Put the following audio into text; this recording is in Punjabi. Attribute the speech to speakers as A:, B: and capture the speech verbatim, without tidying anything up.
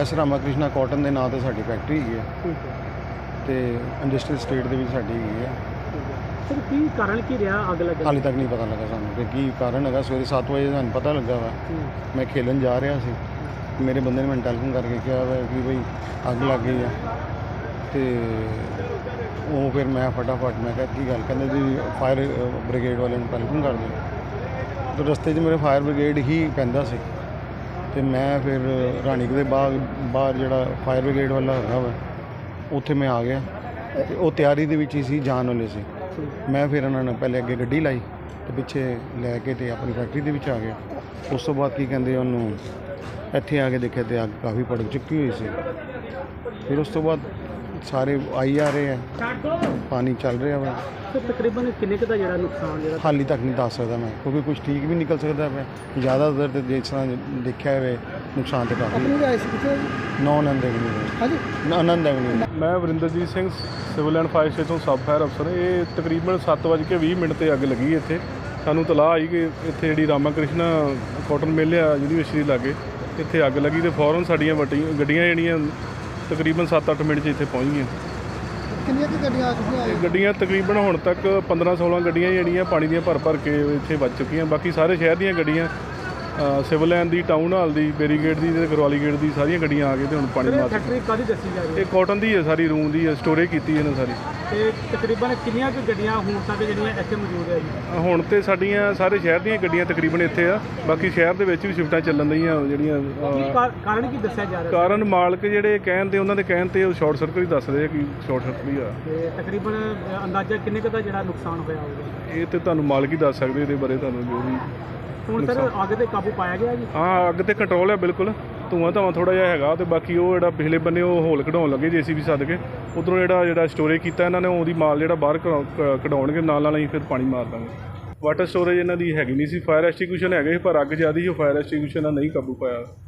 A: ਐਸ ਰਾਮਾ ਕ੍ਰਿਸ਼ਨਾ ਕਾਟਨ ਦੇ ਨਾਂ ਤੇ ਸਾਡੀ ਫੈਕਟਰੀ ਹੈਗੀ ਹੈ
B: ਠੀਕ ਹੈ
A: ਤੇ ਇੰਡਸਟਰੀਅਲ ਸਟੇਟ ਦੇ ਵਿੱਚ ਸਾਡੀ ਹੈਗੀ ਹੈ।
B: ਸਰ ਕੀ ਕਾਰਨ ਕੀ ਰਿਹਾ ਅੱਗ ਲੱਗਣ
A: ਹਾਲੇ ਤੱਕ ਨਹੀਂ ਪਤਾ ਲੱਗਾ ਸਾਨੂੰ ਕਿ ਕੀ ਕਾਰਨ ਹੈਗਾ। ਸਵੇਰੇ ਸੱਤ ਵਜੇ ਸਾਨੂੰ ਪਤਾ ਲੱਗਾ ਵਾ। ਮੈਂ ਖੇਲਣ ਜਾ ਰਿਹਾ ਸੀ, ਮੇਰੇ ਬੰਦੇ ਨੇ ਮੈਨੂੰ ਟੈਲੀਫੋਨ ਕਰਕੇ ਕਿਹਾ ਵਾ ਕਿ ਬਈ ਅੱਗ ਲੱਗ ਗਈ ਆ। ਤੇ ਉਹ ਫਿਰ ਮੈਂ ਫਟਾਫਟ ਮੈਂ ਕਿਹਾ ਕੀ ਗੱਲ, ਕਹਿੰਦੇ ਜੀ ਫਾਇਰ ਬ੍ਰਿਗੇਡ ਵਾਲਿਆਂ ਨੂੰ ਟੈਲੀਫੋਨ ਕਰ ਦਿਓ। ਤੇ ਰਸਤੇ 'ਚ ਮੇਰੇ ਫਾਇਰ ਬ੍ਰਿਗੇਡ ਹੀ ਪੈਂਦਾ ਸੀ ਤੇ ਮੈਂ ਫਿਰ ਰਾਣੀਕ ਦੇ ਬਾਗ ਬਾਹਰ ਜਿਹੜਾ ਫਾਇਰ ਬ੍ਰਿਗੇਡ ਵਾਲਾ ਹੈਗਾ ਵਾ ਉੱਥੇ ਮੈਂ ਆ ਗਿਆ ਤੇ ਉਹ ਤਿਆਰੀ ਦੇ ਵਿੱਚ ਹੀ ਸੀ, ਜਾਣ ਵਾਲੇ ਸੀ। ਮੈਂ ਫਿਰ ਉਹਨਾਂ ਨੇ ਪਹਿਲੇ ਅੱਗੇ ਗੱਡੀ ਲਾਈ ਤੇ ਪਿੱਛੇ ਲੈ ਕੇ ਤੇ ਆਪਣੀ ਫੈਕਟਰੀ ਦੇ ਵਿੱਚ ਆ ਗਿਆ। ਉਸ ਤੋਂ ਬਾਅਦ ਕੀ ਕਹਿੰਦੇ ਉਹਨੂੰ ਇੱਥੇ ਆ ਕੇ ਦੇਖਿਆ ਤੇ ਅੱਗ ਕਾਫੀ ਭੜਕ ਚੁੱਕੀ ਹੋਈ ਸੀ। ਫਿਰ ਉਸ ਤੋਂ ਬਾਅਦ ਸਾਰੇ ਆਈ ਆ ਰਹੇ ਆ, ਪਾਣੀ ਚੱਲ ਰਿਹਾ ਵਾ।
B: ਸਰ ਤਕਰੀਬਨ ਕਿੰਨੇ ਕੁ ਦਾ ਜਿਹੜਾ ਨੁਕਸਾਨ ਜਿਹੜਾ
A: ਹਾਲੇ ਤੱਕ ਨਹੀਂ ਦੱਸ ਸਕਦਾ ਮੈਂ, ਕਿਉਂਕਿ ਕੁਝ ਠੀਕ ਵੀ ਨਿਕਲ ਸਕਦਾ ਪਿਆ। ਜ਼ਿਆਦਾਤਰ ਤੇ ਜਿਸ ਤਰ੍ਹਾਂ ਦੇਖਿਆ ਹੋਵੇ ਨੁਕਸਾਨ ਤੇ ਕਾਫੀ ਨੌ ਆਨੰਦ ਐਵਨਿਊ ਹਾਂਜੀ ਆਨੰਦ ਐਵਨਿਊ।
C: ਮੈਂ Varinderjit Singh, civil and fire station sub fire ਅਫਸਰ। ਇਹ ਤਕਰੀਬਨ ਸੱਤ ਵੱਜ ਕੇ ਵੀਹ ਮਿੰਟ 'ਤੇ ਅੱਗ ਲੱਗੀ ਇੱਥੇ। ਸਾਨੂੰ ਤਲਾਹ ਆਈ ਕਿ ਇੱਥੇ ਜਿਹੜੀ ਰਾਮਾ ਕ੍ਰਿਸ਼ਨਾ ਕਾਟਨ ਮਿੱਲ ਆ ਯੂਨੀਵਰਸਿਟੀ ਲਾਗੇ, ਇੱਥੇ ਅੱਗ ਲੱਗੀ ਤੇ ਫੌਰਨ ਸਾਡੀਆਂ ਵੱਡੀਆਂ ਗੱਡੀਆਂ ਜਿਹੜੀਆਂ ਤਕਰੀਬਨ ਸੱਤ ਅੱਠ ਮਿੰਟ 'ਚ ਇੱਥੇ ਪਹੁੰਚ ਗਈਆਂ।
B: ਕਿੰਨੀਆਂ ਕੁ ਗੱਡੀਆਂ ਆ ਚੁੱਕੀਆਂ
C: ਇਹ ਗੱਡੀਆਂ ਤਕਰੀਬਨ ਹੁਣ ਤੱਕ ਪੰਦਰਾਂ ਸੋਲਾਂ ਗੱਡੀਆਂ ਜਿਹੜੀਆਂ ਪਾਣੀ ਦੀਆਂ ਭਰ ਭਰ ਕੇ ਇੱਥੇ ਵੱਜ ਚੁੱਕੀਆਂ। ਬਾਕੀ ਸਾਰੇ ਸ਼ਹਿਰ ਦੀਆਂ ਗੱਡੀਆਂ, ਸਿਵਲ ਲਾਈਨ ਦੀ, ਟਾਊਨ ਹਾਲ ਦੀ, ਬੈਰੀਗੇਡ ਦੀ ਤੇ ਕਰਵਾਲੀ ਗੇਟ ਦੀ ਸਾਰੀਆਂ ਗੱਡੀਆਂ ਆ ਕੇ ਤੇ ਹੁਣ ਪਾਣੀ ਮਾਰ
B: ਫੈਕਟਰੀ ਕਾਹਦੀ ਦੱਸੀ ਜਾ ਰਹੀ ਹੈ?
C: ਇਹ ਕਾਟਨ ਦੀ ਹੈ, ਸਾਰੀ ਰੂਮ ਦੀ ਹੈ, ਸਟੋਰੇਜ ਕੀਤੀ ਇਹਨਾਂ ਸਾਰੀ।
B: ਤੇ ਤਕਰੀਬਨ ਕਿੰਨੀਆਂ ਕੁ ਗੱਡੀਆਂ ਹੁਣ ਤੱਕ ਜਿਹੜੀਆਂ ਇੱਥੇ ਮੌਜੂਦ ਹੈ ਜੀ?
C: ਹੁਣ ਤੇ ਸਾਡੀਆਂ ਸਾਰੇ ਸ਼ਹਿਰ ਦੀਆਂ ਗੱਡੀਆਂ ਤਕਰੀਬਨ ਇੱਥੇ ਆ। ਬਾਕੀ ਸ਼ਹਿਰ ਦੇ ਵਿੱਚ ਵੀ ਸ਼ਿਫਟਾਂ ਚੱਲਣ ਦੀਆਂ ਜਿਹੜੀਆਂ।
B: ਕੀ ਕਾ- ਕਾਰਨ ਕੀ ਦੱਸਿਆ ਜਾ ਰਿਹਾ?
C: ਕਾਰਨ ਮਾਲਕ ਜਿਹੜੇ ਕਹਿਣ ਤੇ ਉਹਨਾਂ ਦੇ ਕਹਿਣ ਤੇ ਉਹ ਸ਼ਾਰਟ ਸਰਕਟ ਹੀ ਦੱਸਦੇ ਆ ਕਿ ਸ਼ਾਰਟ ਸਰਕਟ ਹੀ ਆ।
B: ਤੇ ਤਕਰੀਬਨ ਅੰਦਾਜ਼ਾ ਕਿੰਨੇ ਕੁ ਦਾ ਜਿਹੜਾ ਨੁਕਸਾਨ ਹੋਇਆ ਹੋਊਗਾ?
C: ਇਹ ਤੇ ਤੁਹਾਨੂੰ ਮਾਲਕ ਹੀ ਦੱਸ ਸਕਦੇ ਇਹਦੇ ਬਾਰੇ, ਤੁਹਾਨੂੰ ਜੋ ਵੀ।
B: ਹੁਣ ਸਰ ਅੱਗ ਤੇ ਕਾਬੂ ਪਾਇਆ ਗਿਆ ਜੀ?
C: ਹਾਂ, ਅੱਗ ਤੇ ਕੰਟਰੋਲ ਹੈ ਬਿਲਕੁਲ। ਧੂੰਆਂ ਧਾਵਾਂ ਥੋੜਾ ਜਿਹਾ ਹੈਗਾ ਤੇ ਬਾਕੀ ਉਹ ਜਿਹੜਾ ਪਿਛਲੇ ਬੰਨੇ ਉਹ ਹੋਲ ਕਢਾਉਣ ਲੱਗੇ ਜੇ ਸੀ ਵੀ ਸੱਦ ਕੇ ਉੱਧਰੋਂ ਜਿਹੜਾ ਜਿਹੜਾ ਸਟੋਰੇਜ ਕੀਤਾ ਇਹਨਾਂ ਨੇ, ਉਹਦੀ ਮਾਲ ਜਿਹੜਾ ਬਾਹਰ ਕਢਾਉਣਗੇ ਨਾਲ ਨਾਲ ਅਸੀਂ ਫਿਰ ਪਾਣੀ ਮਾਰ ਦਾਂਗੇ। ਵਾਟਰ ਸਟੋਰੇਜ ਇਹਨਾਂ ਦੀ ਹੈਗੀ ਨਹੀਂ ਸੀ। ਫਾਇਰ ਐਸਟੀਗਿਊਸ਼ਨ ਹੈਗੇ ਸੀ ਪਰ ਅੱਗ ਜ਼ਿਆਦਾ ਸੀ, ਉਹ ਫਾਇਰ ਐਸਟੀਗਿਊਸ਼ਨ ਨਾਲ ਨਹੀਂ ਕਾਬੂ ਪਾਇਆ।